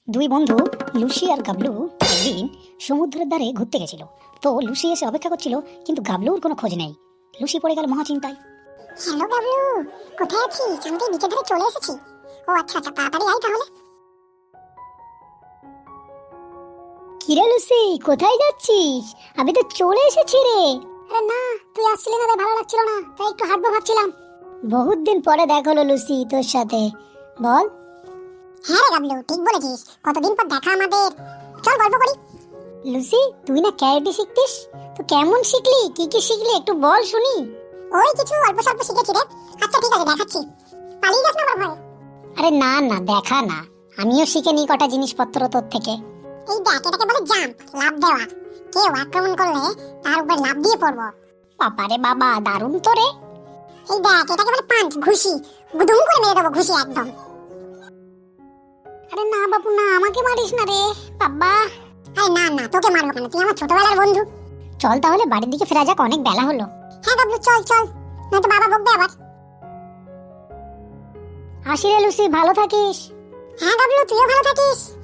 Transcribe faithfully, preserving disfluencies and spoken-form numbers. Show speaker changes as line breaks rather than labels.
দুই বন্ধু লুসি আর গাবলু একদিন সমুদ্রের ধারে ঘুরতে গেছিল। তো লুসি এসে অপেক্ষা করছিল, কিন্তু গাবলুর কোনো খোঁজ নেই। লুসি পড়ে গেল মহা চিন্তায়।
হ্যালো গাবলু, কোথায় আছিস? আমি তো নিচে ধরে চলে এসেছি। ও আচ্ছা আচ্ছা, তাড়াতাড়ি আয় তাহলে।
কিরে লুসি, কোথায় যাচ্ছিস? আমি তো চলে এসেছি রে।
আরে না, তুই আসছিলি না, তাই ভালো লাগছিল না, তাই একটু হাঁটবো ভাবছিলাম।
বহুত দিন পরে দেখা হলো লুসি তোর সাথে, বল।
হ্যাঁ রে গাবলু, ঠিক বলেছিস, কতদিন পর দেখা আমাদের। চল গল্প করি।
লুসি, তুই না ক্যারাটে শিখতিস, তো কেমন শিখলি, কি কি শিখলি একটু বল শুনি।
ওই কিছু অল্প স্বল্প শিখেছি রে। আচ্ছা ঠিক আছে, দেখাচ্ছি। পালিয়ে যাস না আমার ভয়ে।
আরে না না, দেখা না, আমিও শিখে নিই কটা জিনিসপত্র তোর থেকে।
এই দেখ, এটাকে বলে জাম্প, লাফ দেওয়া। কেউ আক্রমণ করলে তার উপর লাফ দিয়ে পড়বো।
বাবারে বাবা, দারুণ তো রে।
এই দেখ, এটাকে বলে পাঞ্চ, ঘুষি। গুদুম করে মেরে দেবো, ঘুষি একদম।
আরে না বাবু না, আমাকে মারিস না রে বাবা।
আরে না না, তোকে মারবো কেন, তুই আমার ছোটবেলার বন্ধু।
চল তাহলে বাড়ির দিকে ফেরা যাক, অনেক বেলা হলো।
হ্যাঁ গাবলু, চল চল, নয়তো বাবা বকবে আবার।
আসি রে লুসি, ভালো থাকিস।
হ্যাঁ গাবলু, তুইও ভালো থাকিস।